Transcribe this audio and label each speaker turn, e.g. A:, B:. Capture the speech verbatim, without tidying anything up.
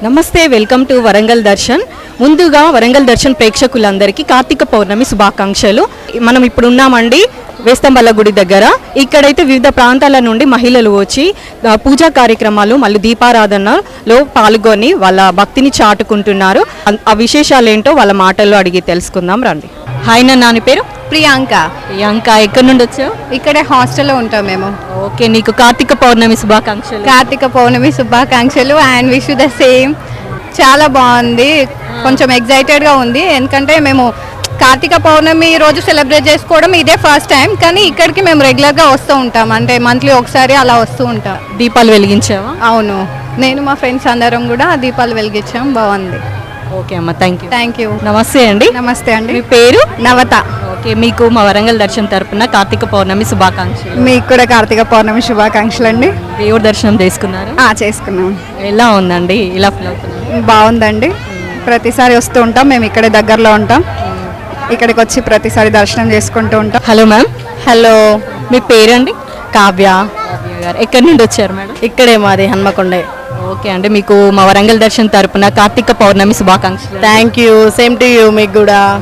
A: నమస్తే, welcome to Warangal Darshan. ముందుగా వరంగల్ దర్శన్ ప్రేక్షకులందరికీ కార్తీక పౌర్ణమి శుభాకాంక్షలు. మనం ఇప్పుడు ఉన్నామండి వేస్తంబల్ల గుడి దగ్గర. ఇక్కడైతే వివిధ ప్రాంతాల నుండి మహిళలు వచ్చి పూజా కార్యక్రమాలు మళ్ళీ దీపారాధనలో పాల్గొని వాళ్ళ భక్తిని చాటుకుంటున్నారు. ఆ విశేషాలు ఏంటో వాళ్ళ మాటల్లో అడిగి తెలుసుకుందాం రండి. హాయ్, నా నాని పేరు
B: ప్రియాంక.
A: ప్రియాంక, ఎక్కడి నుండి వచ్చావు?
B: ఇక్కడే హాస్టల్లో ఉంటాం మేము.
A: ఓకే, నీకు కార్తీక పౌర్ణమి శుభాకాంక్షలు.
B: కార్తీక పౌర్ణమి శుభాకాంక్షలు అండ్ విష్ ద సేమ్. చాలా బాగుంది, కొంచెం ఎగ్జైటెడ్గా ఉంది. ఎందుకంటే మేము కార్తీక పౌర్ణమి రోజు సెలబ్రేట్ చేసుకోవడం ఇదే ఫస్ట్ టైం, కానీ ఇక్కడికి మేము రెగ్యులర్గా వస్తూ ఉంటాం. అంటే మంత్లీ ఒకసారి అలా వస్తూ ఉంటాం.
A: దీపాలు వెలిగించావా?
B: అవును, నేను మా ఫ్రెండ్స్ అందరం కూడా దీపాలు వెలిగించాం. బాగుంది.
A: ఓకే అమ్మ, థ్యాంక్ యూ.
B: Thank you.
A: నమస్తే అండి.
B: నమస్తే అండి.
A: మీ పేరు?
B: నవత.
A: ఓకే, మీకు మా వరంగల్ దర్శన్ తరపున కార్తీక పౌర్ణమి శుభాకాంక్షలు.
B: మీకు కూడా కార్తీక పౌర్ణమి శుభాకాంక్షలు అండి.
A: దేవుడి దర్శనం చేసుకున్నారు?
B: చేసుకున్నాం.
A: ఎలా ఉందండి? ఇలా ఫీల్ అవుతున్నారు?
B: బాగుందండి. ప్రతిసారి వస్తూ ఉంటాం, మేము ఇక్కడే దగ్గరలో ఉంటాం. ఇక్కడికి వచ్చి ప్రతిసారి దర్శనం చేసుకుంటూ ఉంటాం.
A: Hello ma'am.
B: హలో,
A: మీ పేరండి?
B: కావ్య.
A: గారు ఎక్కడి నుండి వచ్చారు మేడం?
B: ఇక్కడే మాది హన్మకొండే.
A: ఓకే అండి, మీకు మా వరంగల్ దర్శన్ తరపున కార్తీక పౌర్ణమి శుభాకాంక్షలు.
B: Thank you. Same to you. మీకు కూడా.